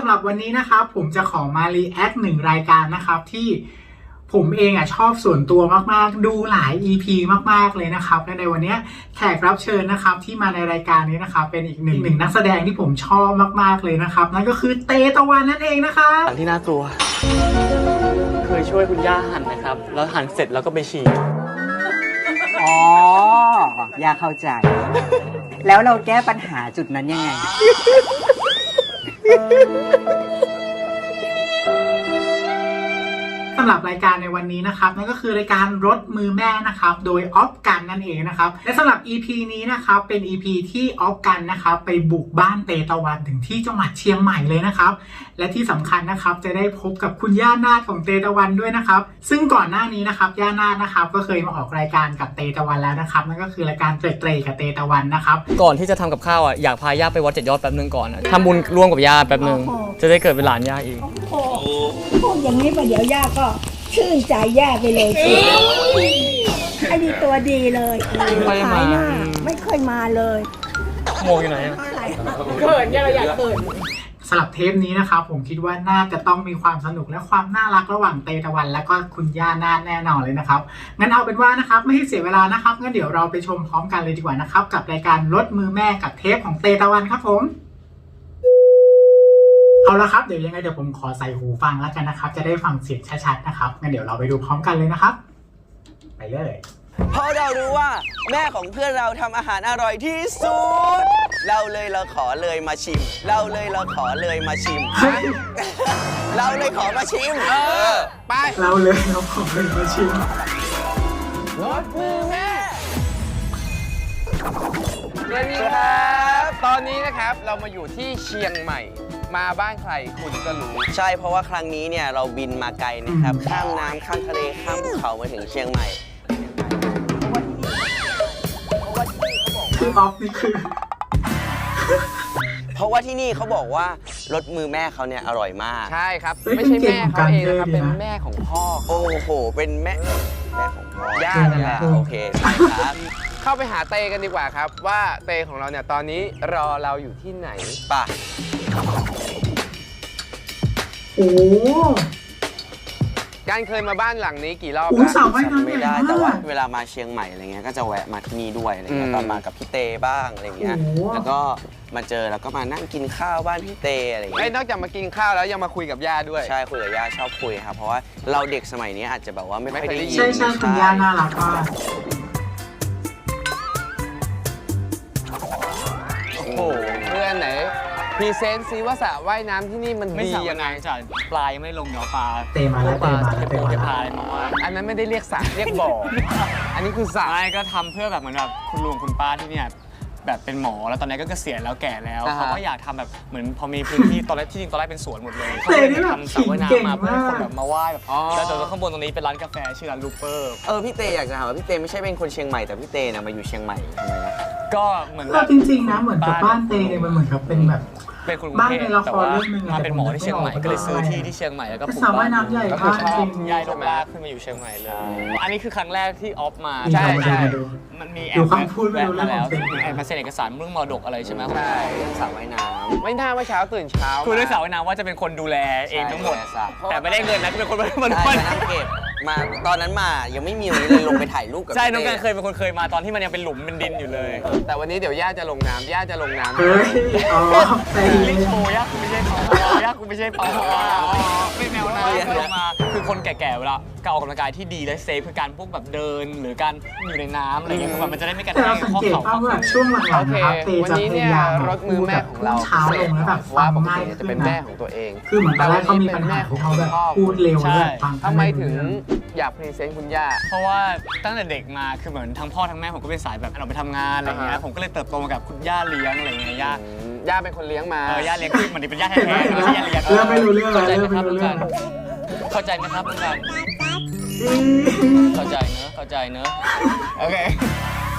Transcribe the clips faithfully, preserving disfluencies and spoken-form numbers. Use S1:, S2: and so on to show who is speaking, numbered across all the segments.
S1: หรับวันนี้นะครับผมจะขอมารีแอคหนึ่งรายการนะครับที่ผมเองอ่ะชอบส่วนตัวมากๆดูหลาย อี พี มากๆเลยนะครับและในวันนี้แขกรับเชิญนะครับที่มาในรายการนี้นะครับเป็นอีกหนึ่งหนึ่งนักแสดงที่ผมชอบมากๆเลยนะครับนั่นก็คือเตตะวันนั่นเองนะครับ
S2: อย่างที่น่ากลัวเคยช่วยคุณย่าหั่นนะครับแล้วหั่นเสร็จแล้วก็ไปฉี่
S3: อ๋อย่าเข้าใจ แล้วเราแก้ปัญหาจุดนั้นยังไง
S1: สำหรับรายการในวันนี้นะครับนั่นก็คือรายการรถมือแม่นะครับโดยออฟกันนั่นเองนะครับและสำหรับ อี พี นี้นะครับเป็น อี พี ที่ออฟกันนะครับไปบุกบ้านเตตะวันถึงที่จังหวัดเชียงใหม่เลยนะครับและที่สำคัญนะครับจะได้พบกับคุณย่านาถของเตตะวันด้วยนะครับซึ่งก่อนหน้านี้นะครับย่านาถนะครับก็เคยมาออกรายการกับเตตะวันแล้วนะครับนั่นก็คือรายการเตรเตรกับเตตะวันนะครับ
S2: ก่อนที่จะทำกับข้าวอ่ะอยากพาย่าไปวัดเจ็ดยอดแป๊บนึงก่อนทำบุญร่วมกับย่าแป๊บนึงจะได้เกิดเป็นหลานย่าอีก
S4: โอ้โหพูดอย่างนี้ไปเดี๋ยวย่าก็ชื่นใจย่าไปเลยสิไอ้นี่ตัวดีเลยขายหน้าไม่เคยมาเลย
S2: โมอยู่ไหนอ่ะ
S4: เขินย่าเราอยากเขิน
S1: สำหรับเทปนี้นะครับผมคิดว่าน่าจะต้องมีความสนุกและความน่ารักระหว่างเตตะวันและก็คุณย่านาถแน่นอนเลยนะครับงั้นเอาเป็นว่านะครับไม่ให้เสียเวลานะครับงั้นเดี๋ยวเราไปชมพร้อมกันเลยดีกว่านะครับกับรายการรถมือแม่กับเทปของเตตะวันครับผมเอาละครับเดี๋ยวยังไงเดี๋ยวผมขอใส่หูฟังแล้วกันนะครับจะได้ฟังเสียงชัดๆนะครับงั้นเดี๋ยวเราไปดูพร้อมกันเลยนะครับไปเลย
S5: เพราะเรารู้ว่าแม่ของเพื่อนเราทำอาหารอร่อยที่สุดเราเลยเราขอเลยมาชิมเราเลยเราขอเลยมาชิมเราเลยขอมาชิมเออไป
S1: เราเลยเราขอเลยมาชิม
S5: รถมือแม่สวัสดีครับ
S6: ตอนนี้นะครับเรามาอยู่ที่เชียงใหม่มาบ้านใครคุณก็รู้
S5: ใช่เพราะว่าครั้งนี้เนี่ยเราบินมาไกลนะครับข้ามน้ำข้ามทะเลข้ามภูเขามาถึงเชียงใหม่
S1: คือออฟนี่คือ
S5: เพราะว่าที่นี่เขาบอกว่ารสมือแม่เขาเนี่ยอร่อยมาก
S6: ใช่ครับไม่ใช่แม่เขาเองนะครับเป็นแม่ของพ่อ
S5: โอ้โหเป็นแม่แม่ของพ่
S6: อย่านั่นแหละ
S5: โอเคครับ
S6: เข้าไปหาเตกันดีกว่าครับว่าเตของเราเนี่ยตอนนี้รอเราอยู่ที่ไหน
S5: ป่ะ
S1: โอ้
S6: การเคยมาบ้านหลังนี้กี่รอบ
S1: แล้ว
S5: ไม่ได้แต่ว่าเวลามาเชียงใหม่อะไรเงี้ยก็จะแวะมาที่นี่ด้วยอะไรเงี้ยตอนมากับพี่เตบ้างอะไรเงี้ยแล้วก็มาเจอแล้วก็มานั่งกินข้าวบ้านพี่เตอะไรเงี้ย
S6: นอกจากมากินข้าวแล้วยังมาคุยกับย่าด้วย
S5: ใช่คุยกับย่าชอบคุยครับเพราะว่าเราเด็กสมัยนี้อาจจะแบบว่าไม่ค่อยได้ยิน
S1: ใช่ใช่คุณย่าน่ารักมาก
S6: โอ้โหเพื่อนไหนพรีเซนต์ซิว่าสระว่ายน้ำที่นี่มันดียังไง
S2: จ้ะปลายไม่ลงเดี๋ยวปลา
S1: เตมาแล้ว
S2: ปลา
S1: จะ
S2: เป็นปูจะพายมาว่า
S6: อันนั้นไม่ได้เรียกสระเรียกบ่ออันนี้คือสระ
S2: ไม่ก็ทำเพื่อแบบเหมือนแบบคุณลุงคุณป้าที่เนี่ยแบบเป็นหมอแล้วตอนนี้ก็เกษียณแล้วแก่แล้วเขาก็อยากทำแบบเหมือนพอมีพื้นที่ตอนแรกที่จริงตอนแรกเป็นสวนหมดเลยเขาเลยทำสระว่ายน้ำมาเพื่อคนแบบมาว่ายแบบแล้วแต่ข้างบนตรงนี้เป็นร้านกาแฟชื่อร้านลูเปอร์
S5: เออพี่เตอยากจะถามว่าพี่เตไม่ใช่เป็นคนเชียงใหม่แต่พี่เตนะมาอยู่เชียงใหม่ทำไมนะ
S2: ก็เหมือน
S1: จริงๆนะเหมือนกับบ้านเตเนี่ยมันเหมือนกับเป็นแบบ
S2: เป็นคนกรุงเทพแต่ว่ามาเป็นหมอที่เชียงใหม่ก็เลยซื้อที่ที่เชียงใหม่แล้วก็ปลูกบ้านก็คือชอบย้ายลงลากขึ้นมาอยู่เชียงใหม่เลยอันนี้คือครั้งแรกที่ออฟมา
S1: ใช่ใช่
S2: มันมีแอบมาแล้วแอบมาเซ็นเอกสารเรื่องมรดกอะไรใช่ไหม
S5: ใช่สระว่ายน้ำ
S6: ไม่น่าว่าเช้าตื่นเช้า
S2: คือด้วยสระว่ายน้ำว่าจะเป็นคนดูแลเองทั้งหมดแต่ไม่ได้เงินนะเป็นคนมา
S5: มานั่งเก็บมาตอนนั้นมายังไม่มีตรงนี้เลยลงไปถ่ายรูปกับ
S2: ใช่น้องการเคยเป็นคนเคยมาตอนที่มันยังเป็นหลุมเป็นดินอยู่เลย
S6: แต่วันนี้เดี๋ยวย่าจะลงน้ำย่าจะลงน้ำ
S1: เฮ้ยอ๋อใช่
S2: ลิโชย่าคุณไม่ใช่ปอย่าคุณไม่ใช่ปอไม่แนวน้ำมาคือคนแก่ๆเวลาการออกกำลังกายที่ดีและเซฟคือการพวกแบบเดินหรือการอยู่ในน้ำอะไรเงี้ยมันจะได้ไม่กระแทกข้อเข่า
S1: ช่วงหลังๆนะครับเตจะพยายาม
S6: รถมือแม่ของเรา
S1: เช้าลงแล้วแบบฟังง่าย
S6: จะเป็นแม่ของตัวเอง
S1: คือเหมือนตอนแรกเขามีปัญหาเขาแบบพูดเร็วเลยฟัง
S6: ทำไมถึงอยากพรีเซนต์คุณย่า
S2: เพราะว่าตั้งแต่เด็กมาคือเหมือนทั้งพ่อทั้งแม่ผมก็เป็นสายแบบเราไปทำงานอะไรเงี้ยผมก็เลยเติบโตมากับคุณย่าเลี้ยงอะไรเงี้ยย่า
S6: ย่าเป็นคนเลี้ยงมา
S2: เออย่าเลี้ยงคือมันเป็นย่าแท้ๆไม่ใช่ย่าเลี้ยง
S1: เริ่มไม่รู้เรื่องแล้ว
S2: เข้าใจไหมครับลุงกันเข้าใจไหมครับลุงกันเข้าใจเนอะเข้าใจเนอะโอเค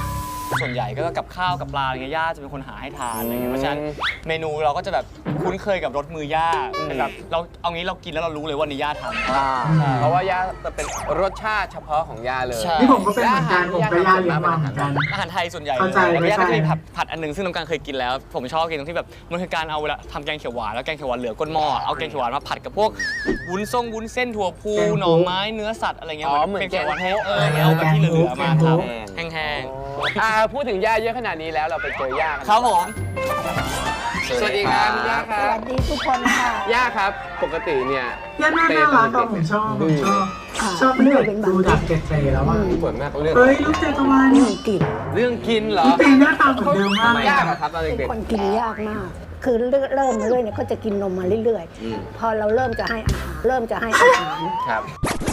S2: ส่วนใหญ่ก็กับข้าวกับปลาอะไรเงี้ยย่าจะเป็นคนหาให้ทานอะไรเงี้ยเพราะฉะนั้นเมนูเราก็จะแบบคุ้นเคยกับรสมือย่าเป็นแบบเราเอางี้เรากินแล้วเรารู้เลยว่านี่ย่าทำ
S6: อ่าเพราะว่าย่าจะเป็นรสชาติเฉพาะของย่าเลย
S2: ใช่
S1: นี่ผมก็เป็นเหมือนกันผมก็ย่าเลี้ยงมาเหมือนกัน
S2: อาหารไทยส่วนใหญ่
S1: เข้าใจ
S2: แล้วก็ย่าก็จะมี
S1: เข้าใจ
S2: ผัดผัดอันหนึงซึ่งน้องการเคยกินแล้ว ผมชอบกินตรงที่แบบมันคือการเอาเวลาทำแกงเขียวหวานแล้วแกงเขียวหวานเหลือก้นหม้อเอาแกงเขียวหวานมาผัดกับพวกวุ้นส้มวุ้นเส้นถั่วพูหน่อไม้เนื้อสัตว์อะไรเงี้ย
S6: อ๋อเหมือน
S2: แกงเขียวหวาน
S6: แกง
S2: เออเอาแบบที่เหลือๆมาท
S5: แกง
S2: ำแห้ง
S6: อ่าพูดถึงย่าเยอะขนาดนี้แล้วเราไปเจอย่ากัน
S2: ๆครับผม
S6: สวัสดีครับคุณย่าค
S4: ส
S6: รับ
S4: วัสดีทุกคนค่ะ
S6: ย่าครับปกติเนี่ย
S1: ย่าน่าน่ารักก็ผมชอบผมชอบชอบเรื่องดูดักเกตเตแล้วว่า
S6: ส่วนมากเรื่อง
S1: เฮ้ยลูกเจตวัน
S4: เรื่องกิน
S6: เรื่องกินเหรอ
S1: ลูกเจหน้าตาเหมือนเดิมมากเลย
S6: ยาก
S1: อะ
S6: อะครับตอน
S4: เป็น
S6: เด็ก
S4: คนกินยากมาก คือเริ่มเริ่มมาเรื่อยเนี่ยเขาจะกินนมมาเรื่อยๆ พอเราเริ่มจะให้อาหาร เริ่มจะให้อาหาร
S6: ๆครับ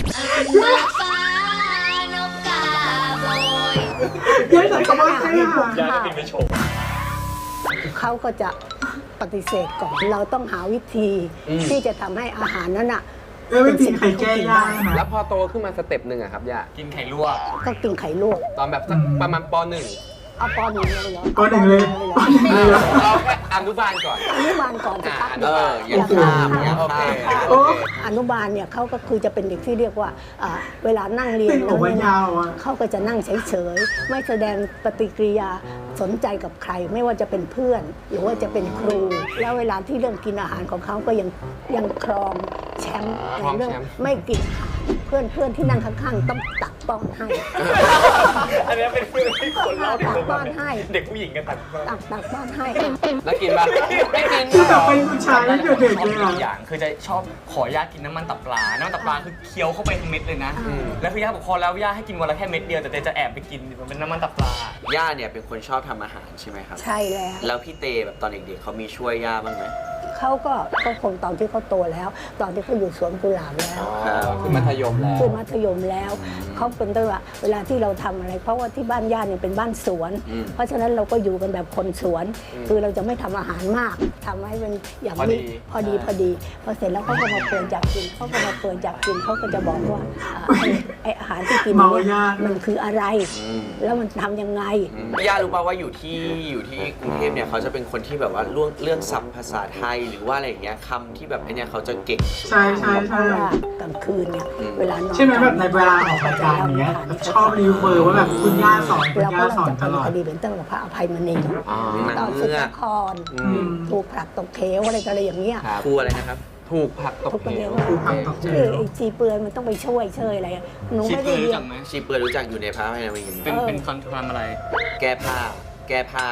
S1: ย่าใส่คำว่าให้อาหาร
S2: ย่าจะบินไปโชว์
S4: เขาก็จะปฏิเสธก่อน เราต้องหาวิธี
S6: อืม
S4: ที่จะทำให้อาหารนั้นอ่ะ
S1: เออไม่จริงใครแก้ย่านะ
S6: แล้วพอโตขึ้นมาสเต็ปหนึ่งอะครับย่า
S2: กินไข่ลวก
S4: ก็กินไข่ลวก
S6: ตอนแบบสักประมาณปหนึ่ง
S4: เอาปอหนึ่งเลยเหรอ
S1: ปอหนึ่งเลย
S4: อา
S1: ปอหนึ่งเลยเหรอ
S6: เราแค่อนุบาลก่อน
S4: อนุบาลก่อนจะพัก
S6: อ่า
S5: เอออย่าข้ามอย่า
S6: โอเค
S5: ข้าม
S6: โอเค
S4: อนุบาลเนี่ยเขาก็คือจะเป็นเด็กที่เรียกว่าอ่า เวลานั่งเรียน
S1: เป็น
S4: แล้ว
S1: โอ้ย
S4: เนี่ย
S1: ยาวอะ
S4: เขาก็จะนั่งเฉยๆ ไม่แสดงปฏิกิริยาสนใจกับใคร ไม่ว่าจะเป็นเพื่อน หรือว่าจะเป็นครู แล้วเวลาที่เรื่องกินอาหารของเขาก็ยังยังครองแชมป์
S6: ครอง
S4: ในเรื่อง
S6: แชมป์
S4: ไม่กินอาหารเพื่อนเพื่อนที่นั่งข้างๆต้องตักป้อนให้
S2: อันนี้เป็นเรื่องที่คนเล่าถึง
S4: ตักป้อนให้
S2: เด็กผู้หญิงกันตัด
S4: ตักตักป้อนให้
S6: แล้วกินปะไม่กิน
S1: คือแบบเป็นผู้ชายตั้งแต่เด็ก
S2: ชอบ
S1: เลย
S2: อี
S1: อะ
S2: กอย่างคือจะชอบขอย่ากินน้ำมันตับปลา น้ำมันตับปลาคือเคี้ยวเข้าไปทั้งเม็ดเลยนะ
S4: อืม
S2: แล้วคือย่าบอกพอแล้วย่าให้กินวันละแค่เม็ดเดียวแต่เตจะแอบไปกินมันเป็นน้ำมันตับปลา
S5: ย่าเนี่ยเป็นคนชอบทำอาหารใช่ไหมครับ
S4: ใช่แล้ว
S5: แล้วพี่เตแบบตอนเด็กๆเขามีช่วยย่าบ้างไหม
S4: เขาก็ก็คงตอนที่เขาโตแล้ว ตอนที่เขาอยู่สวนกุหลาบแล้ว
S6: อ๋อคือมัธยมแล้ว
S4: คือมัธยมแล้วเขาเป็นตัวว่าเวลาที่เราทำอะไร เพราะว่าที่บ้านญาติเนี่ยเป็นบ้านสวน
S5: อืม
S4: เพราะฉะนั้นเราก็อยู่กันแบบคนสวน คือเราจะไม่ทำอาหารมากทำให้เป็นอย่าง
S6: พอดี
S4: นี้พอดีพอดีพอเสร็จแล้วเขาก็มาเปิดอยากกินเขาก็มาเปิดอยากกินเขาก็จะบอกว่าอ่าไอ้ไออาหารที่กิน
S1: เมา
S4: เนี่ย
S1: ยาก
S4: มันคืออะไร
S5: อืม
S4: แล้วมันทำยังไง
S5: ย่ารู้ป่าวว่าอยู่ที่อยู่ที่กรุงเทพเนี่ยเขาจะเป็นคนที่แบบว่าเรื่องเรื่องศัพท์ภาษาไทยหรือว่าอะไรอย่างเงี้ยคำที่แบบไอเนี่ยเขาจะเก่งสุด
S1: ใช่ใช่
S4: เพ
S1: ใช่
S4: ราะว่ากลางคืนเนี่ย
S5: อืม
S4: เวลานอน
S1: ใช่ไหมแบบในเวลาออกรายการอย่างเงี้ยชอบรีเฟอร์ว่าแบบคุณย่าสอนคุณ
S4: เรา
S1: ย่า
S4: ก็
S1: สอน
S4: จะ
S1: ตลอด
S4: คดีเป็นตั้งแต่พระอภัยมณี
S6: อ๋อ
S4: ตอนสุดละคร
S6: อืม
S4: ถูกผลักตกเขวอะไรต่ออะไรอย่างเงี้ย
S6: ครับ
S5: ครูอะไรนะครับ
S6: ถูกผลักตก
S4: ทุกคน
S6: เห
S4: เรียว ก
S1: ครูผลักตกเหว
S4: คือไอ้ชีเปลือยมันต้องไปช่วยเชยอะไรอะหนู
S2: ชิป
S4: ไม่
S2: เค
S4: ได้
S2: ย
S4: เรี
S2: รู้
S4: ย
S2: จั
S4: น
S2: กไหม
S5: ชีเปิดรู้จักอยู่ในพระพายนาวิน
S2: เป็นเป็นคอนทรามอะไร
S5: แก้ผ้า แก้ผ้า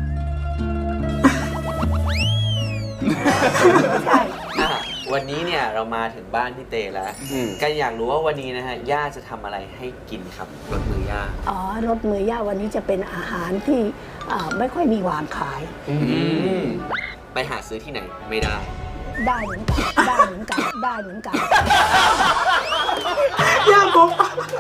S4: ใช่
S5: อ่ะวันนี้เนี่ยเรามาถึงบ้านพี่เตแล้ว
S6: อืม
S5: กันอยากรู้ว่าวันนี้นะฮะย่าจะทำอะไรให้กินครับรสมือย่า
S4: อ๋อรถมือย่าวันนี้จะเป็นอาหารที่อ่าไม่ค่อยมีวางขาย
S6: อืม
S5: ไปหาซื้อที่ไหนไม่ได้
S4: ได้เหมือนกันได้เหมือนกันได้เหมือนกัน
S1: ย่าบอก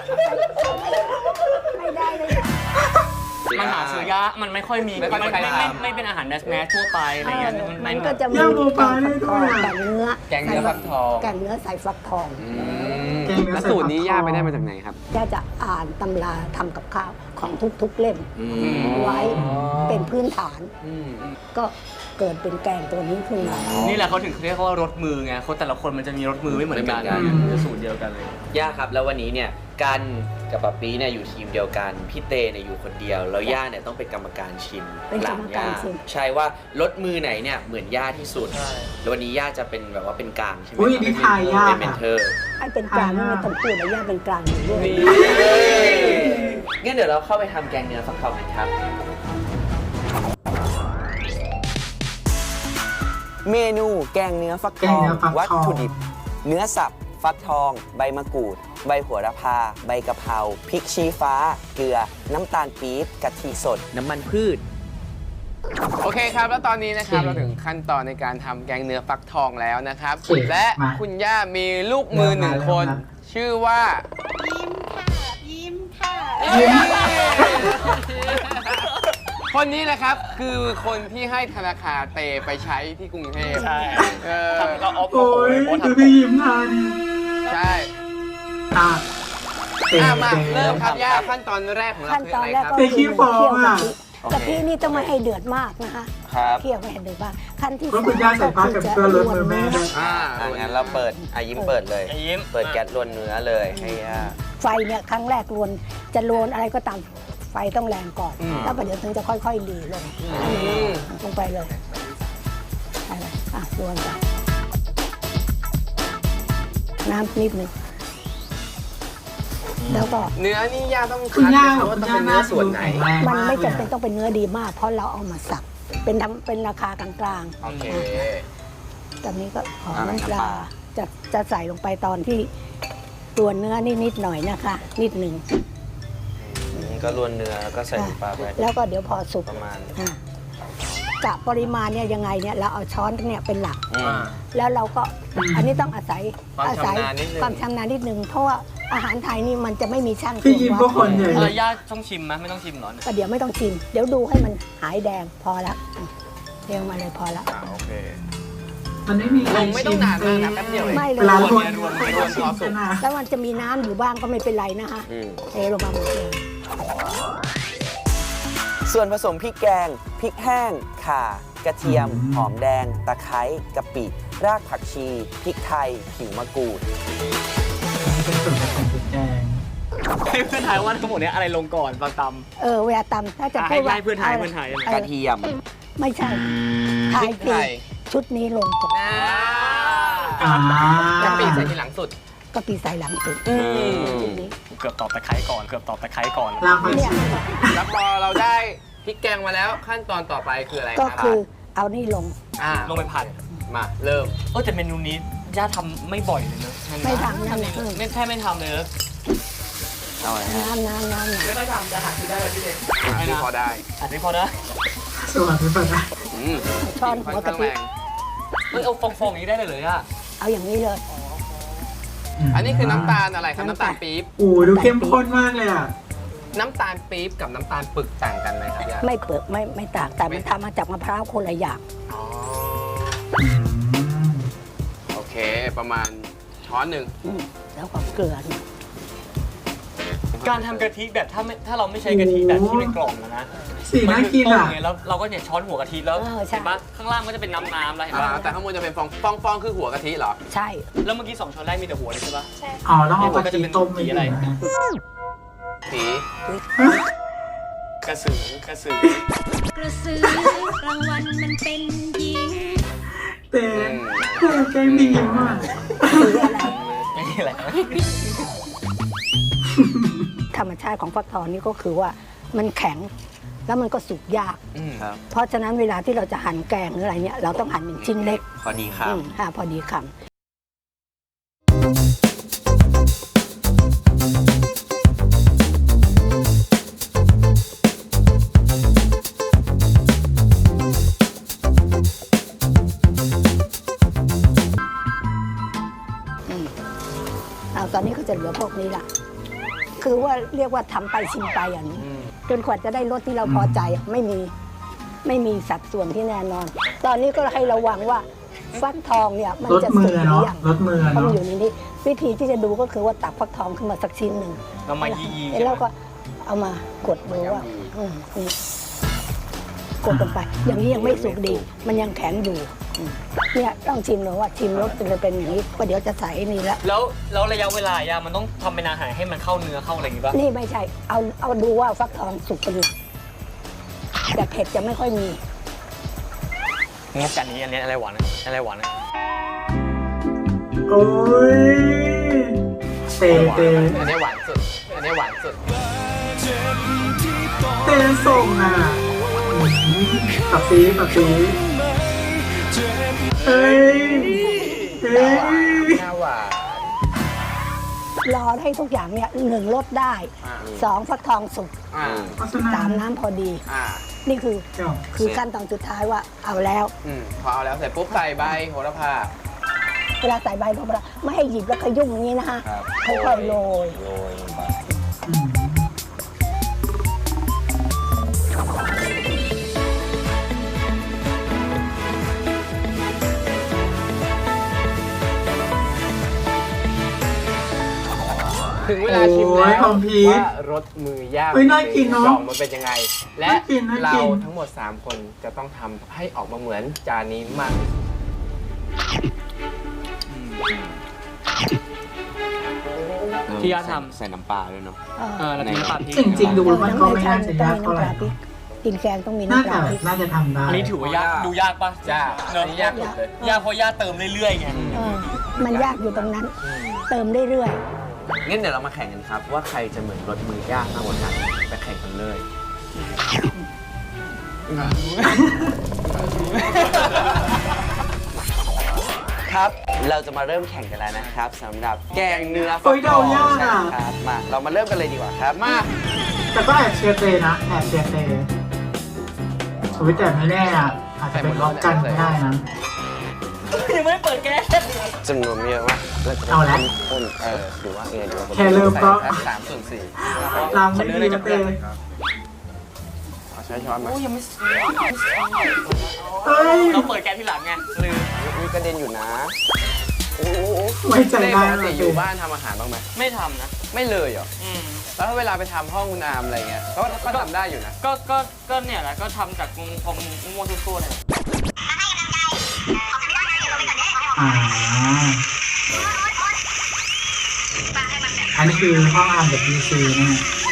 S4: ไม่ได้เลย
S2: มันหาซื้อยากมันไม่ค่อยมี
S6: ไม่ค่อย
S2: มัน
S6: มีใคร
S2: ไม่
S6: ทำ
S2: ไม่ไม่เป็นอาหารแมสแมสทั่วไปอะไรเงี้ย
S4: เออ
S2: มัน
S4: มัน
S2: มัน
S4: ก็จะมี
S1: ย่าโม
S4: แก
S1: ปาง ได้
S4: ฟักท
S1: ด้
S4: อ
S1: วย
S4: งแกงเนื้อ
S6: แกงเนื้อฟักทอง
S4: แกงเนื้อใส่ฟักทอง
S6: อืมแล้วสูตรนี้ย่าไปได้มาจากไหนครับ
S4: ย่าจะอ่านตำราทำกับข้าวของทุกๆเล่ม
S5: อืม
S4: ไว้เป็นพื้นฐาน
S6: อืม
S4: ก็เกิดเป็นแกงตัวนี้ขึ้นมา
S2: นี่แหละเขาถึงเรียกว่ารสมือไงคนแต่ละคนมันจะมีรสมือไม่เหมือนกัน
S5: ไม่เหมือนกัน
S2: มันจะสูตรเดียวกันเลย
S5: ย่าครับแล้ววันนี้เนี่ยกันกับป๊าปี้เนี่ยอยู่ทีมเดียวกันพี่เตเนี่ยอยู่คนเดียวแล้วย่าเนี่ยต้องเป็นกรรมการชิม
S4: เป็นกรรมการชิม
S5: ใช่ว่ารสมือไหนเนี่ยเหมือนย่าที่สุด
S2: ใช่
S5: แล้ววันนี้ย่าจะเป็นแบบว่าเป็นกลางใช่ไหม
S1: อุ้ย
S5: ครับ
S1: นี่ทายยาก
S5: เป็นเมน
S1: อะ
S5: เทอร์
S4: ไอ้เป็นกลางนี่ไม่ต้องพูดนะย่าเป็นกลางอยู่ด้วย
S5: งั้นเดี๋ยวเราเข้าไปทำแกงเนื้อฟักทองกันครับ เมนูแกงเนื้อฟักทอง
S1: แกงเนื้อฟักทอง
S5: วัตถุดิบ เนื้อสับ ฟักทอง ใบมะกรูด ใบโหระพา ใบกะเพราพริกชี้ฟ้า เกลือ น้ำตาลปี๊บกะทิสด น้ำมันพืช
S6: โอเคครับ แล้วตอนนี้นะครับ
S1: โอเค
S6: เราถึงขั้นตอนในการทำแกงเนื้อฟักทองแล้วนะครับ
S1: โอเค
S6: และ
S1: มา
S6: คุณย่ามีลูกมือหนึ่งคน
S1: มาแล้ว
S6: ชื่อว่า
S4: ยิ้มค่ะ
S6: คนนี้นะครับคือคนที่ให้ธนาคารเตไปใช้ที่กรุงเทพ
S2: ใช่
S6: เออ
S2: ทำเราออฟ
S1: โอ้ย
S2: โพสต์
S1: ดู
S2: ทำ
S1: พี่ยิ้มทาน
S6: ใช่
S1: อ่ะเตะ
S6: อ่ะมา
S1: เตะ
S6: เริ่มครับย่าขั้นตอนแรกของเรา
S4: ขั้น
S6: คือ
S4: ตอ
S6: อะ
S4: น
S6: ไร
S4: แรก
S6: ครับ
S4: ก็
S1: เตะขี้ฟองอะ
S4: กะทินี่ต้องไม่ให้เดือดมากนะคะ
S5: ครับ
S4: เคี่ยวไม่ให้เดือดมากขั้นที่
S1: แล้วคุณย่าใส่ผ้ากันเปื้อนรถมือแม่ด้วย
S6: อ่า
S5: อ่ะงั้นเราเปิดอ่ะยิ้มเปิดเลย
S2: อ่ะยิ้ม
S5: เปิดแก๊สลวนเนื้อเลยให้ย่า
S4: ไฟเนี่ยครั้งแรกลวนจะลวนอะไรก็ตามไฟต้องแรงก่อน แล้วประเดี๋ยวถึงจะค่อยๆหลีลงลงไปเลยไปเลยอ่ะลวนไปน้ำนิดนึงแล้วก็
S6: เนื้อนี่ย่าต้อง
S1: คุณ
S6: คัด
S1: ย่า
S6: ไหม
S1: บ
S6: ค
S1: อ
S6: รับ
S1: ก
S6: ว่า
S1: คุ
S6: ต้
S1: ณ
S6: อง
S1: ย่า
S6: เป็น
S1: ห
S6: เนื้
S1: น้า
S6: อส่วนไหน
S4: มันไม่
S1: แข็งแรงากลย
S4: จำเป็นต้องเป็นเนื้อดีมาก เพราะเราเอามาสับเป็นทำเป็นราคากลาง
S6: โอเค
S4: ๆตอนนี้ก็ขอ
S5: อ่า
S4: น้ำป
S5: น้ำป
S4: ลา
S5: ลา
S4: จะจะใส่ลงไปตอนที่ตัวเนื้อนี่นิดหน่อยนะคะ นิดหนึ่ง
S5: อืมก็ลวนเนื้อแล้วก็ใส่น้ำปลาไป
S4: แล้วก็เดี๋ยวพอสุก
S5: ประมาณ
S4: อ่ะกะปริมาณเนี่ยยังไงเนี่ยเราเอาช้อนเนี่ยเป็นหลัก
S5: อืม
S4: แล้วเราก็อันนี้ต้องอาศัย
S6: ความ
S4: อาศัย
S6: ชำนาญนิดนึง
S4: ความชำนาญนิดนึงเพราะว่าอาหารไทยนี่มันจะไม่มีช่าง
S1: พี่ยิ้มก็คนใหญ่
S2: เอ
S1: เล
S2: อย ย่าต้องชิมไหมไม่ต้องชิมเหรอ
S4: ก็เดี๋ยวไม่ต้องชิม เดี๋ยวดูให้มันหายแดงพอละเรียงมาเลยพอละ
S6: อ่าโอเค
S1: มันไม่มีใคร
S6: ลงไม่ต้องนานมากนะแป๊บเดียวเอง
S4: ไม่เล
S1: เวย ลาคน
S6: รวม
S1: ไม่
S6: ร
S1: ต้
S6: ว
S1: อ
S6: ม
S1: งชิม
S6: พอสุ
S1: กั
S6: ก
S1: นนะ
S4: แล้วมันจะมีน้ำอยู่บ้างก็ไม่เป็นไรนะคะ
S5: อืม
S4: เทลงมาหมดเลย
S5: ส่วนผสมพริกแกง พริกแห้ง ข่า กระเทียม หอมแดง ตะไคร้ กะปิ รากผักชี พริกไทย ผิวมะกรูด
S1: เป็นส่วนผสมพริกแกง
S2: ให้เพื่อนทายว่าทั้งหมดเนี้ยอะไรลงก่อนตอนต
S4: เออเวลาตำถ้าจะ
S2: อ่ะ
S4: พูดว่า
S2: ให้ให้เพื่อนทายเพื่อนทาย
S4: เออก
S5: ระเทียม
S4: ไม่ใช่ทาย
S6: พริก
S4: ผิ
S6: ไท
S4: ด
S6: ย
S4: ชุดนี้ลงก่อน
S1: อ่าก
S6: ะปิใส่ทีหลังสุด
S4: กะปิใส่หลังสุด
S5: อืม
S4: ชุดนี้
S2: ำเกือบตอบตะไคร้ก่อน เกือบตอบตะไคร้ก่อน
S1: ลากไป
S4: เนี่ย
S6: แล้วพอเราได้พริกแกงมาแล้วขั้นตอนต่อไปคืออะไรค
S4: ก็
S6: รับ
S4: คือเอานี่ลง
S6: อ่า
S2: ลงไปผัด
S6: มาเริ่ม
S2: เออแต่เมนูนี้ย่าทำไม่บ่อยเลยเนอะ
S4: ไม่ทำนั่น
S2: ทำ
S4: นะ
S2: ไม่แค่ไม่ทำเลยนะ
S5: เอาอะไรฮะ
S4: น้ำน้ำน้ำน้
S2: ไม่ทำจะหักที่ได้เลยพี่เด็ก
S6: อ่าที่พอได้
S2: อันนี้พอนะ
S1: สวัสดีป่ะนะ
S6: อืม
S4: ำช้อนหั
S6: ค่อน
S4: วกะ
S6: ข้าง
S4: ทิ
S6: แรง
S2: เอ้ยเอาฟองๆอย่างนี้ได้เลยเหรอย่า
S4: เอาอย่างนี้เลย
S6: อันนี้คือน้ำตาลอะไรครับน้ำตาลปี๊บ
S1: โอ้ดูเข้มข้นมากเลยอ่ะ
S6: น้ำตาลปี๊บกับน้ำตาลปึกต่างกันไหมครับย่า
S4: ไม่เปลือกไม่ไม่ต่างแต่มันทำมาจากมะพร้าวคนละอย่าง
S6: อ๋อ
S1: อืม
S6: โอเคประมาณช้อนหนึ่ง
S4: อืมแล้วก็เกลือนี่
S2: การทำกะทิแบบถ้าไม่ถ้าเราไม่ใช้กะทิแบบที่เป็นกล่องนะนะ
S1: สีน่ากินอ่ะ
S2: มัคืต้มไงแล้วเราก็เนี่ยช้อนหัวกะทิแล้วเห็นปะข้างล่างก็จะเป็นน้ำน้ำแล้วเห็น
S6: อ่า
S2: ปะ
S6: แต่ข้างบนจะเป็นฟองฟองฟองคือหัวกะทิเหรอ
S4: ใช่
S2: แล้วเมื่อกี้สองช้อนแรกมีแต่หัวเลยใช่ปะ
S1: อ๋อต้องเอากะทิต้มไป
S2: สีอะไร
S1: นะ
S6: สี
S2: กระสือกระสือก
S7: ระสือรางวัลมันเป็นหญิง
S1: เต้เต้แกงดีมาก
S4: สีอะไร
S2: ไม่มีอะไร
S4: ธรรมชาติของฟักทองนี่ก็คือว่ามันแข็งแล้วมันก็สุกยาก
S6: อืม
S5: ครับ
S4: เพราะฉะนั้นเวลาที่เราจะหั่นแกงหรืออะไรเนี่ยเราต้องหั่นเป็นชิ้นเล็ก
S5: พอดีครั
S4: อื
S5: บ
S4: มค่ะพอดีคำอืมเอาตอนนี้ก็จะเหลือพวกนี้ละคือว่าเรียกว่าทำไปชิมไปอย่างนี้ จนกว่าจะได้รสที่เราพอใจอะไม่มีไม่มีสัดส่วนที่แน่นอน ตอนนี้ก็ให้ระวังว่าฟักทองเนี่ยมัน
S1: รส
S4: จะ
S1: มื
S4: สุ
S1: อก
S4: หรื
S1: เนาะ
S4: อยัง
S1: รสมือ
S4: เพราะมัน
S1: เนาะ
S4: อยู่ในนี้วิธีที่จะดูก็คือว่าตักฟักทองขึ้นมาสักชิ้นหนึ่ง
S2: เรามายียี
S4: แล้วก็เอามากดดูว่าอืมนี่กดลงไป อย่างนี้ยังไม่สุกดี มันยังแข็งอยู่อืมเนี่ยต้องชิมเลยว่าชิมรสจะเป็นอย่างนี้ก็เดี๋ยวจะใส่ไอ้นี่แล้ว
S2: แล้วแล้วระยะเวลายามันต้องทำเป็นอาหารให้มันเข้าเนื้อเข้าอะไรอย่างงี้ปะ
S4: นี่ไม่ใช่ เอาเอาดูว่าฟักทองสุกเป็นหลักแต่เผ็ดจะไม่ค่อยมี
S2: งบกันนี้อันนี้อะไรหวานอะอะไรหวานอะ
S1: โอ้ยเต้เต้
S6: อันนี้หวานสุด อันนี้หวานสุด
S1: เต้ส่งอ่ะอืมปับปีปับปีเฮ้ยเฮ้ย
S6: หน้าหวาน
S4: รอให้ทุกอย่างเนี่ยหนึ่งรสได้
S6: อ่า
S4: สองฟักทองสุก
S6: อ่า
S1: โฆษณา
S4: สามน้ำพอดี
S6: อ่า
S4: นี่คือ
S1: เจ้า
S4: คือขั้นตอนสุดท้ายว่าเอาแล้ว
S6: อืมพอเอาแล้วเสร็จปุ๊บใส่ใบโหระพา
S4: เวลาใส่ใบลงไปไม่ให้หยิบแล้วขยุ่มอย่างนี้นะคะ
S5: ครับ
S4: ค่อยๆโรย
S5: โรยลงไป
S1: อืม
S4: น
S6: ถึงเวลาชิม
S1: โอ้
S6: แล้
S1: ยว คอมพีท
S6: ว่ารสมือย่าง
S1: เฮ้ยน่ากินเนอะ
S6: ดองมันเป็นยังไง และ
S1: น่ากินน่า
S6: เรา
S1: กิน
S6: ทั้งหมด สาม คนจะต้องทำให้ออกมาเหมือนจานนี้มากที่สุด
S2: ที่ย่าท
S5: ใส่น้ำปลาด้วยเนาะ
S2: ำเออแล้วมีน้ำปลาพริก
S1: จริงๆดูมันก็ไม่น่าจะยากเท่าไหร่
S4: กินแกงต้องมี
S1: น่า
S4: น้ำป
S1: จะ
S4: ลาพริก
S1: น่าจะทำได้
S2: อันนี้ถือว่ายากดูยากปะ
S6: ยาก
S2: เนอะ
S6: อันนี้ยากสุดเลย
S2: ยากเพราะย่าเติมเรื่อยๆไง
S4: เออมันยากอยู่ตรงนั้น เติมเรื่อย
S5: งั้นเดี๋ยวเรามาแข่งกันครับ ว่าใครจะเหมือนรถมือย่างมากกว่ากันไปแข่งกันเลย ครับ เราจะมาเริ่มแข่งกันแล้วนะครับสำหรับแกงเนื้อฟัก
S1: โอ้ย
S5: ท
S1: เดา
S5: อง
S1: ยาก
S5: ใช่
S1: อ่ะ
S5: ครับมาเรามาเริ่มกันเลยดีกว่าครับ
S6: มา
S1: แต่ก็แอบเชียร์เตนะแอบเชียร์เตโอ้ยแต่ไม่แน่อ่ะอาจจะเป็นล็อกกันก็ได้นะ
S2: ยังไม่ได้เปิดแก๊ส
S5: จำนวนไม่เยอะมากเราจะ
S1: เอาละ
S5: คนเออหรือว่าไงดีว่า
S1: แค่เริ่มก็
S6: ใส่แค่สามส่วนสี่
S1: ลำไม่ดีนะเต
S6: เอาใช้ช้อนมา
S2: โอ้ยยังไม่
S1: เฮ้ย
S2: เราเปิดแก๊สทีหลังไงลืม
S5: มีกระเด็นอยู่นะโอ้โห
S1: ไว้ใจ
S6: เต้
S1: ได้
S6: ปก
S1: เล
S6: ติ
S1: ย
S6: อยู่บ้านทำอาหารบ้างไหม
S2: ไม่ทำนะ
S6: ไม่เลยเหรอ
S2: อืม
S6: แล้วถ้าเวลาไปทำห้องคุณอามอะไรเงี้ยก็ก็ทำได้อยู่นะ
S2: ก็ก็ก็เนี่ยแหละก็ทำจากมุมมุมมุมมุมทั่วๆเนี่ย
S1: อ่าอันนี้คือห้องอ่านแบบพีซีนะ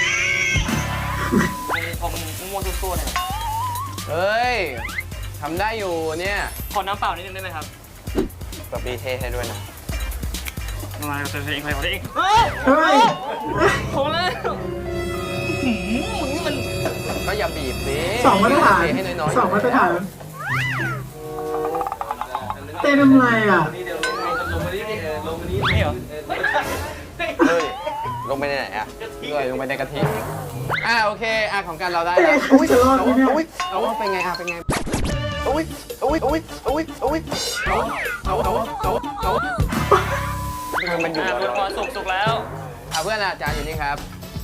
S2: มุมมุมมุมมุมทั่วๆเนี่ย
S6: เฮ้ยทำได้อยู่เนี่ย
S2: ขอน้ำเปล่านิดนึงได้ไหมครับ
S5: ปะปีเทให้ด้วยนะ
S2: มาเติมเองใครขอเอง
S1: เฮ้ย
S2: โหแล้วหืมมึงนี่มัน
S6: ก็อย่าบีบสิ
S1: สองมาตรฐาน
S6: เทให้น้อยๆ
S1: สองมาตรฐานเต้ทำไรอ่ะ
S2: นี่เหรอ
S5: เฮ้ยลงไปในไหนอ่ะ
S6: เลยลงไปในกะทิอ่าโอเคอ่ะของกันเราได้
S1: เต้
S6: แล้ว
S1: เขาจะรอดไหมเนี่ย
S6: อุ้ยเอาว่าเป็นไงอ่ะเป็นไง
S5: อุ้ยอุ้ยอุ้ยอุ้ยอุ้ย
S6: เอาเอาเอาเอาเอา
S5: คือมันอยู่
S2: อ่ะ
S5: แล้ว
S2: พอสุกสุกแล้ว
S6: อ่ะเพื่อนอาจารย์อยู่นี่ครับ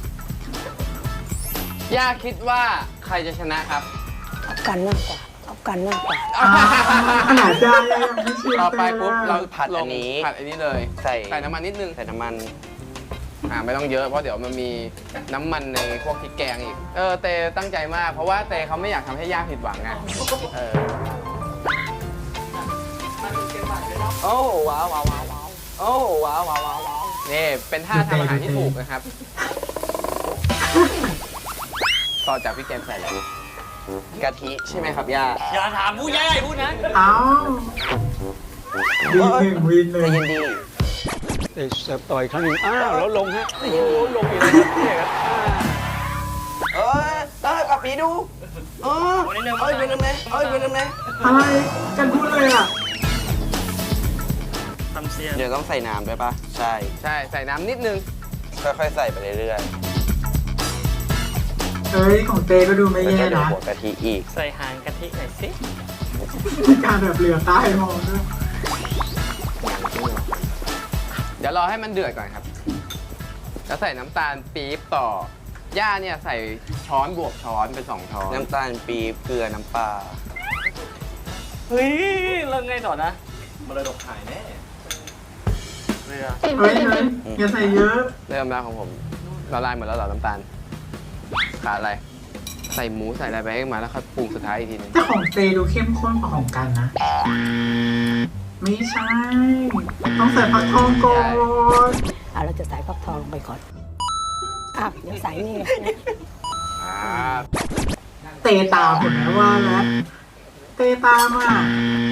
S6: ย่าคิดว่าใครจะชนะครับ
S4: ๆเอากันมากกว่าเอากันมากกว่า
S1: อ่าขนาดได้ยังไม่เชียร์
S6: ต่อ
S1: เต้
S6: ไปปุ๊บเรา
S5: ผัด
S6: ล
S5: อั
S6: ง
S5: นนี้
S6: ผัดอันนี้เลย
S5: ใส่
S6: ใส่น้ำมันนิดนึง
S5: ใส่น้ำมัน
S6: อ่าไม่ต้องเยอะเพราะเดี๋ยวมันมีน้ำมันในพวกพริกแกงอีก เออเตตั้งใจมาก เพราะว่าเตเขาไม่อยากทำให้ย่าผิดหวังไงเออ
S5: โอ้ว้าวว้าวว้าวว้าวโอ้ว้าวว้าวว้าวว้าว
S6: นี่เป็นท่าทำอาหารที่ถูกนะครับ ต่อจากพริกแกงใส่แล้ว
S5: กะทิใช่ไหมครับย่า
S2: อย่าถามผู้ใหญ่พูดนะ
S1: เอ้าวีหนึ่งวีห
S5: ใจ
S1: นึ่ง
S5: เย็นดี
S8: เอ้ยเสิร์ฟต่อยครั้งหนึ่งอ้าวแล้วลงฮะ โอ้โหลงอีกแล้วครับเนี่ยครับอ่า
S5: เอ้ยเอ้ยปะปีดูเออเอ้ยเป็นน้ำไหนเอ้ยเป็นน้ำไหน
S1: อะไรกันพูดเลยอ่ะ
S2: ทำเสีย
S5: เดี๋ยวต้องใส่น้ำด้วยปะใช่
S6: ใช่ใส่น้ำนิดนึง
S5: ค่อยๆใส่ไปเรื่อย
S1: เฮ้ยของเต้ก็ดู
S5: ๆ
S1: ไม่
S5: แล้ว
S1: แย่
S5: ก็เดี๋ยว
S1: นะ
S5: หัวกะทิอีก
S2: ใส่หางกะทิหน่อยสิ
S1: มีการแบบเหลือใต้มองด้วย
S6: เดี๋ยวรอให้มันเดือดก่อนครับ แล้วใส่น้ำตาลปี๊บต่อย่าเนี่ยใส่ช้อนบวกช้อนเป็นสองช้อน
S5: น้ำตาลปี๊บเกลือน้ำปลา
S2: เฮ้ยเริ่มไงต่อนะมาเลยดอกขายแน่เรือ
S1: เฮ้ยเฮ้ยอย่าใส่เยอะ
S6: เริ่มแล้วของผมละลายหมดแล้วเหรอน้ำตาลขาดอะไร ใส่หมูใส่อะไรไปให้มาแล้วค่อยปรุงสุดท้ายอีกทีนึง
S1: แต่ของเตดูเข้มข้นกว่าของกันนะ ไม่ใช่ ต้องใส่ผักทองก่อน
S4: อ่ะเราจะใส่ฟักทองลงไปก่อนอ่ะเดี๋ยวใส่นี่เลยนะ
S6: อ่า
S1: เตตามเห็นไหมว่าแล้วเตตามอ่ะ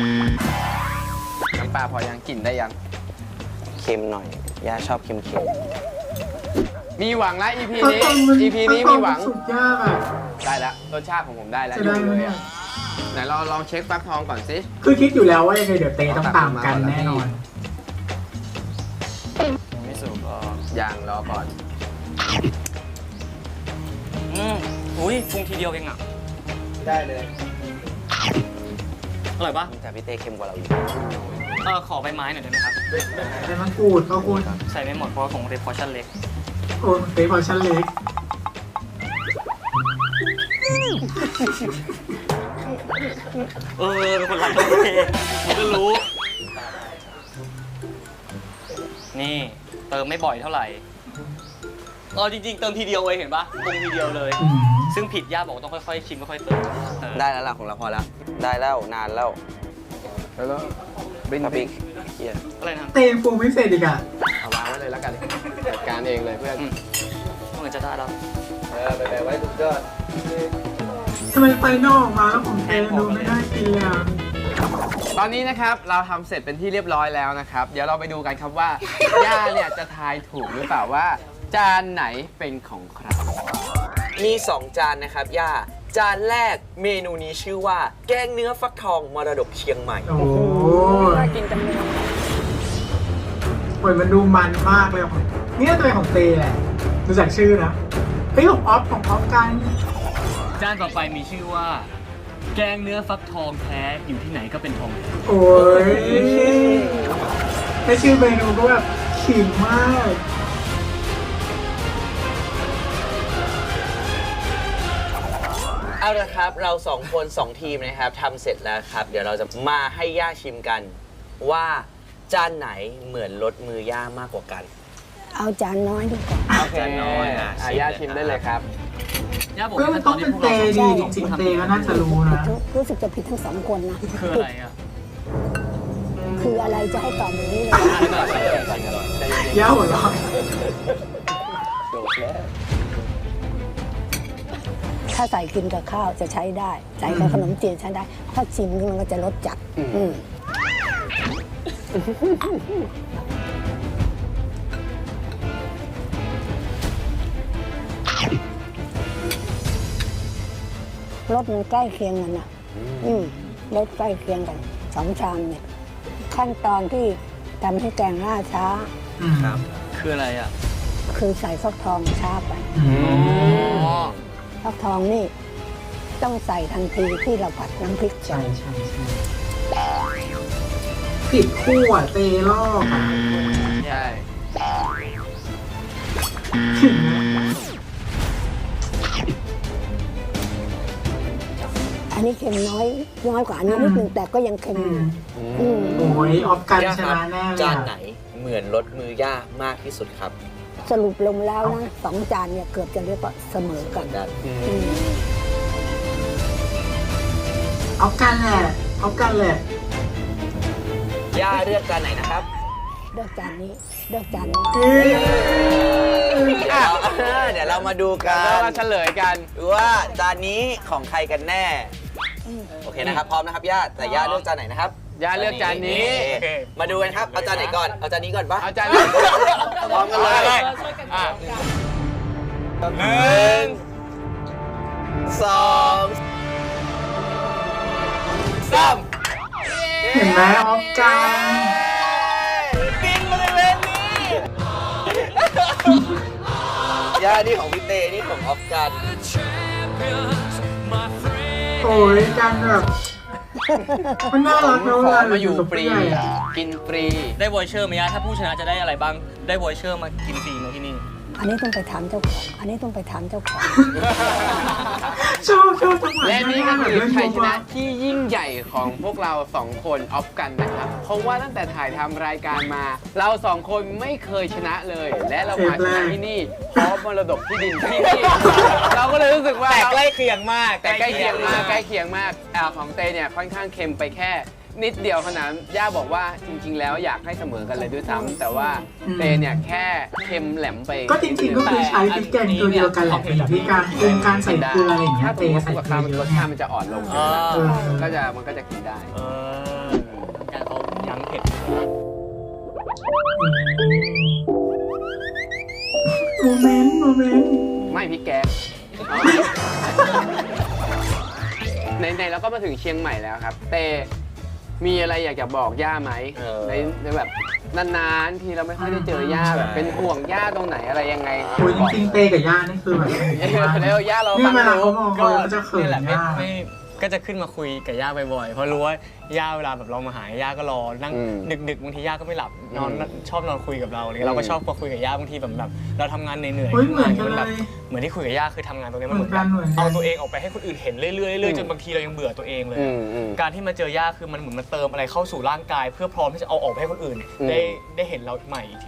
S6: น้ำปลาพอยังกลิ่นได้ยัง
S5: เค็มหน่อย ย่าชอบเค็ม
S6: มีหวังแล้ว อี พี
S1: ผัก
S6: นี้
S1: ทองมัน
S6: อี พี นี้มีหวัง
S1: สุกยากอ่ะ
S6: ได้แล้วรสชาติของผมได้แล้ว
S1: จะ
S6: อ
S1: ได้
S6: ยู่
S1: ไหม
S6: เลย
S1: เนี่ย
S6: อ่ะไหนเราลองเช็คฟักทองก่อนสิ
S1: คือคิดอยู่แล้วว่ายังไงเดี๋ยวเตต้องตามกันแน่นอน
S2: ไม่สุกก็
S6: อย่างรอก่อน
S2: อืมอุ้ยปรุงทีเดียวเองอ่ะ
S6: ได้เลย
S2: อร่อยปะ
S5: ๆแต่พี่เต้เค็มกว่าเราอีก
S2: เออขอใบไม้หน่อยได้ไหมครับ
S1: ใส่มะกรูดข้าวคุณ
S2: ใส่ไม่หมดเพราะว่าของเตพอชั่นเล็ก
S1: โอ้เตพอชั่นเล็ก
S2: เออเป็นคนรักโอเคผมก็รู้ นี่ เติมไม่บ่อยเท่าไหร่อ๋อจริงๆเติมทีเดียวเลยเห็นปะปรุงทีเดียวเลย
S1: อืม
S2: ซึ่งผิดย่าบอกต้องค่อยๆชิมค่อยๆเติมเออ
S5: ได้แล้วล่ะของเราพอแล้ว ได้แล้วนานแล้ว
S6: แล้วก็บิน
S5: ปา
S6: บิ
S5: ปิ
S6: ก
S5: กเฮีย
S2: อะไรนะ
S1: เตงปรุงไม่เสร็จอีกอ่ะ
S6: เอาวางไว้เลยแล้วกันจัดการเองเลยเพื่อน
S2: อืมเหมือนจะได้แล้ว
S6: เออไปแบบไว้ทุกยอด
S1: ทำไมไฟนอกออกมาแล้วของเตงดูไม่น่ากินเลยอ่ะ
S6: ตอนนี้นะครับเราทำเสร็จเป็นที่เรียบร้อยแล้วนะครับ เดี๋ยวเราไปดูกันครับว่า ย่าเนี่ยจะทายถูกหรือเปล่าว่า จานไหนเป็นของใคร
S5: มีสองจานนะครับ ย่า จานแรกเมนูนี้ชื่อว่า แกงเนื้อฟักทองมรดกเชียงใหม่
S1: โอ้โห
S4: น่ากินจังเลย
S1: เหมือนมันดูมันมากเลยของเนี่ยตัวของเตแหละดูจากชื่อนะเฮ้ยของออฟของออฟกัน
S2: จานต่อไปมีชื่อว่า แกงเนื้อฟักทองแท้อยู่ที่ไหนก็เป็นทองแท้
S1: โอ้ยแค่ชื่อเมนูก็แบบขิงมาก
S5: เอาละครับ เราสองคนสองทีมนะครับทำเสร็จแล้วครับ เดี๋ยวเราจะมาให้ย่าชิมกัน ว่าจานไหนเหมือนรสมือย่ามากกว่ากัน
S4: เอาจานน้อยดีกว่า
S6: โอเค
S5: จานน้อยอ่ะ
S6: อ่ะย่าชิมได้เลยครับ
S2: ย่าบอก
S1: เฮ้ยมันต้องเป็นเตดีจริงๆเตก็น่าจะรู้นะ
S4: รู้สึกจะผิดทั้งสองคนนะ
S2: คืออะไรอ่ะ
S4: คืออะไรจะให้ตอบอย่างนี้เลย
S1: ย่าหัวเราะ
S4: ถ้าใส่กินกับข้าวจะใช้ได้ ใส่กับขนมจีนใช้ได้ ถ้าชิมนี่มันก็จะรสจัด
S6: อืม
S4: อืมรสมันใกล้เคียงกันอ่ะ อืมรสใกล้เคียงกันสองชามเนี่ย ขั้นตอนที่ทำให้แกงล่าช้า
S1: อืม
S5: ครับ
S2: คืออะไรอ่ะ
S4: คือใส่ฟักทองช้าไป
S1: อืม
S4: ฟักทองนี่ ต้องใส่ทันทีที่เราผัดน้ำพริก
S1: ใช่ใช่ใช่ผิดคู่อ่ะเตลอกอ่ะ
S6: ใช่
S1: ขิงนะ
S4: อันนี้เค็มน้อยน้อยกว่าอันนี้นิดนึงแต่ก็ยังเค็ม
S1: อื
S4: อยู่
S1: ม
S4: อืม
S1: โอ้ยออฟกัน
S5: ย่า
S1: ช
S5: ครับ
S1: นะแน่เลย
S5: จาน
S1: อะ
S5: ไหนเหมือนรสมือย่ามากที่สุดครับ
S4: สรุปลงแล้วนะสองจานเนี่ยเกือบจะเรียกว่าเสมอกัน
S5: ด้าน
S4: อืม
S1: ออฟกันแหละออฟกันแหละ
S5: ย่าเลือกจานไหนนะครับ
S4: เลือกจานนี้เลือกจานนี้
S1: เอ้ย
S5: เดี๋ยวเราเออเดี๋ยวเรามาดูกั
S6: แล้ว
S5: น
S6: มาเฉลยกัน
S5: ว่าจานนี้ของใครกันแน่ โอเคนะครับ พร้อมนะครับย่า แต่ย่าเลือกจานไหนนะครับ
S6: ย่าเลือกจานนี้
S5: โอเคมาดูกันครับ เอาจานไหนก่อน เอาจานนี้ก่อนปะ
S6: เอาจานนี้
S5: พร้อมกันเลย
S6: อ่ะ
S5: หนึ่งสองสาม
S1: เห็นไหมออฟกัน
S5: กินบริเวณนี้ ย่านี่ของพี่เตนี่ของออฟกัน
S1: โอ้ยกันแบบมันน่ารักนะ
S6: ข
S1: เว
S6: อ
S1: ลา
S6: มาอยู่
S1: กับ
S6: ฟรี
S1: ผู้ใหญ่อะ
S6: กินฟรี
S2: ได้วอยเชอร์ไหมย่าถ้าผู้ชนะจะได้อะไรบ้าง ได้วอยเชอร์มากินฟรีไหมที่นี่
S4: อันนี้ต้องไปถามเจ้าของ อันนี้ต้องไปถามเจ้าของ
S1: ชอบชอบจังหวะ
S6: และนี่ก็คือ
S1: แบบ
S6: ชัยช
S1: เล่
S6: นะ
S1: น
S6: ที่ยิ่งใหญ่ของพวกเราสองคนออฟกันนะครับ เพราะว่าตั้งแต่ถ่ายทำรายการมา เราสองคนไม่เคยชนะเลย และเรามาชนะที่นี่เพราะมรดกที่ดินที่นี่ เราก็เลยรู้สึกว่า
S2: แต่ใกล้เคียงมาก
S6: แต่ใกล้เคียงมากใกล้เคียงมากอ่าของเตเนี่ยค่อนข้างเค็มไปแค่นิดเดียวขนาดย่าบอกว่าจริง ๆ แล้วอยากให้เสมอกันเลยด้วยซ้ำแต่ว่าเตเนี่ยแค่เค็มแหลมไป
S1: ก็จริงๆก็คือใช้พริกแกงตัวเดียวกันแหละแต่อยู่ที่การปรุงการใส่เกลืออะไรอย่างเงี้
S6: ถ้าย ส
S1: เต
S6: มมติ
S1: ใส่
S6: กับ
S1: เกลื
S6: ข้าว
S1: อ
S6: มัน
S1: เย
S6: ร
S1: อะ
S6: ส
S1: ไง
S6: ชาติมันจะอ่อนลง
S2: เออ
S1: เออ
S6: ก็จะมันก็จะกินได้
S2: เออการเขายั้งเผ็ด
S1: โมเมนต์โมเมนต์
S6: ไม่พริกแกงในๆเราก็มาถึงเชียงใหม่แล้วครับ เตมีอะไรอยากจะบอกย่าไหม
S5: เออ
S6: ในในแบบนานๆทีเราไม่ค่อยได้เจอย่าแบบเป็นห่วงย่าตรงไหนอะไรยังไง
S1: โอ้ยจริงๆเตกับย่านี่คือแบบ
S6: แล้วย่าเรา
S1: นี่
S6: ฟัง
S1: เวลา
S6: รู้
S1: เขามองเขาก็จะเขิ
S2: นี่
S1: น
S2: แหละไม่
S1: ย่า
S2: ไม่ก็จะขึ้นมาคุยกับย่าบ่อยๆ เพราะรู้ว่าย่าเวลาแบบเรามาหาย่าก็รอ นั่ง
S6: อืม
S2: ดึกๆบางทีย่าก็ไม่หลับ นอน
S6: อืม
S2: ชอบนอนคุยกับเราอะไรเงี้ย
S6: อืม
S2: เราก็ชอบมาคุยกับย่าบางทีแบบแบบเราทำงานเหนื่อยๆ
S1: เฮ้ยเหมือนกัน
S2: มัแบบ
S1: เลย
S2: เหมือนที่คุยกับย่าคือทำงานตรงนี้มัน
S1: เห
S2: เห
S1: มื
S2: มื
S1: อ
S2: อน น
S1: กัน
S2: แบบ
S1: เหมือนกัน
S2: เอาตัวเองออกไปให้คนอื่นเห็นเรื่อยๆเรื่อยๆจนบางทีเรายังเบื่อตัวเองเลย
S6: อืมอืม
S2: การที่มาเจอย่าคือมันเหมือนมันเติมอะไรเข้าสู่ร่างกาย เพื่อพร้อมที่จะเอาออกไปให้คนอื่น
S6: อืม
S2: ได้ได้เห็นเราใหม่อีกทีนึงอะไรเงี้ย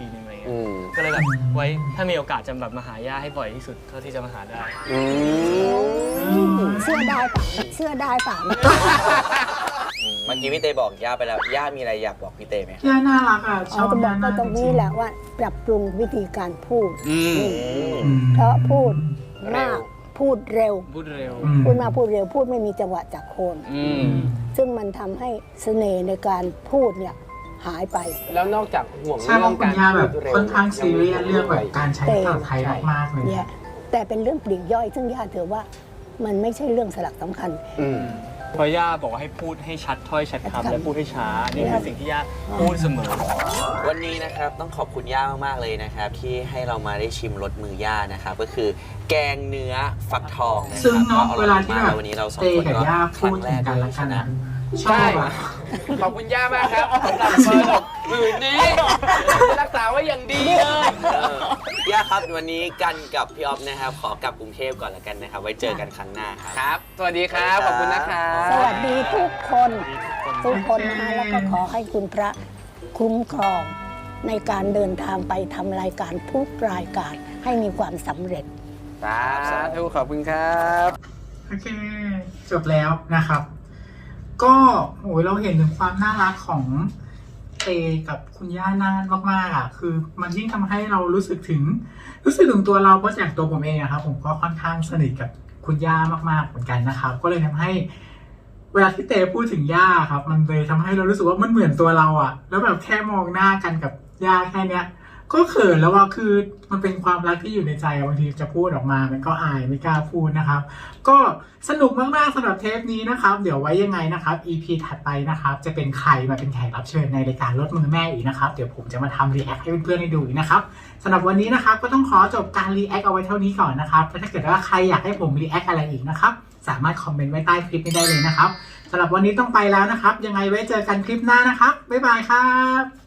S6: อืม
S2: ก็เลยแบบไว้ถ้ามีโอกาสจะแบบมาหาย่าให้บ่อยที่สุดเท่าที่จะมาหาได้
S6: อืม
S4: เสื้อได้ป่ะเสื้อได้ป่ะ
S5: เมื่อกี้พี่เตบอกย่าไปแล้ว ย่ามีอะไรอยากบอกพี่เตไหม
S1: ย่าน่ารักอ่ะช
S4: เรา
S1: อบ
S4: จะบอก
S1: ย่า
S4: ก็
S1: มาก
S4: ตรงนี้แหละว่าปรับปรุงวิธีการพูด
S6: อืม
S1: อืม
S4: เพราะพูดมากพูดเร็ว
S2: พูดเร็ว
S1: อืม
S4: พูดมากพูดเร็วพูดไม่มีจังหวะจากโคน
S6: อืม
S4: ซึ่งมันทำให้เสน่ห์ในการพูดเนี่ยหายไป
S6: แล้วนอกจากห่วง
S1: ใช่เพ
S6: เรื่อ
S1: ราะ
S6: ง
S1: คุ
S6: กา
S1: ณ
S6: ร
S1: ย่าแบบ
S6: พูดเร็ว
S1: ค่อนข้างซีเรียสเรื่องแบบการใช้
S4: แต่
S1: ภาษาไทยมากๆเลย
S4: เนี่ยแต่เป็นเรื่องปลีกย่อย ซึ่งย่าถือว่ามันไม่ใช่เรื่องสลักสำคัญ
S6: อืม
S2: เพราะย่าบอกว่าให้พูดให้ชัดถ้อยชัดคำและพูดให้ช้า นี่คือสิ่งที่ย่าพูดเสมอ
S5: วันนี้นะครับต้องขอบคุณย่ามากๆเลยนะครับ ที่ให้เรามาได้ชิมรสมือย่านะครับก็คือแกงเนื้อฟักทองนะค
S1: ซึ่ง
S5: รับ
S1: เนาะ
S5: ก็อ
S1: เว
S5: ร่
S1: ลา
S5: อย
S1: ที่
S5: มาก
S1: แบบ
S5: แล้ววันนี้เราสอง
S1: เต
S5: คน
S1: กับ
S5: ก็
S1: ย่า
S5: ค
S1: พู
S5: รั้
S1: ด
S5: งแร
S1: ถึง
S5: ก
S1: กัน
S5: เล
S1: และ
S5: ย
S1: กั
S5: ใช่
S1: น
S5: ไหม
S1: นะช
S6: ใช่
S1: อบอะ
S6: ขอบคุณย่ามากครับสำหรับมรดกผืนนี้จะรักษาไว้อย่างดีเลย
S5: เออย่าครับวันนี้กันกับพี่ออฟนะครับขอกลับกรุงเทพก่อนละกันนะครับ ไว้เจอกันครั้งหน้าครับ
S6: ครับ สวัสดีครับ ขอบคุณนะครับ
S4: สวัสดีทุกคนทุกคนนะคะแล้วก็ขอให้คุณพระคุ้มครองในการเดินทางไปทำรายการทุกรายการให้มีความสำเร็จ
S6: สาธุขอบคุณครับ
S1: โอเค จบแล้วนะครับ ก็โอ้ยเราเห็นถึงความน่ารักของเตกับคุณย่านานมากๆอ่ะ คือมันยิ่งทำให้เรารู้สึกถึง รู้สึกถึงตัวเราเพราะจากตัวผมเองอะครับ ผมก็ค่อนข้างสนิทกับคุณย่ามากๆเหมือนกันนะครับ ก็เลยทำให้ เวลาที่เตพูดถึงย่าครับ มันเลยทำให้เรารู้สึกว่ามันเหมือนตัวเราอะแล้วแบบแค่มองหน้ากันกับย่าแค่เนี้ย ก็เขินแล้วว่าคือมันเป็นความรักที่อยู่ในใจบางทีจะพูดออกมามันก็อายไม่กล้าพูดนะครับ ก็สนุกมากๆสำหรับเทปนี้นะครับ เดี๋ยวไว้ยังไงนะครับ อี พี ถัดไปนะครับ จะเป็นใครมาเป็นแขกรับเชิญในรายการรถมือแม่อีกนะครับ เดี๋ยวผมจะมาทำรีแอคให้เพื่อนๆได้ดูอีกนะครับสำหรับวันนี้นะครับก็ต้องขอจบการรีแอคเอาไว้เท่านี้ก่อนนะครับถ้าเกิดว่าใครอยากให้ผมรีแอคอะไรอีกนะครับสามารถคอมเมนต์ไว้ใต้คลิปนี้ได้เลยนะครับสำหรับวันนี้ต้องไปแล้วนะครับ ยังไงไว้เจอกันคลิปหน้านะครับบ๊ายบายครับ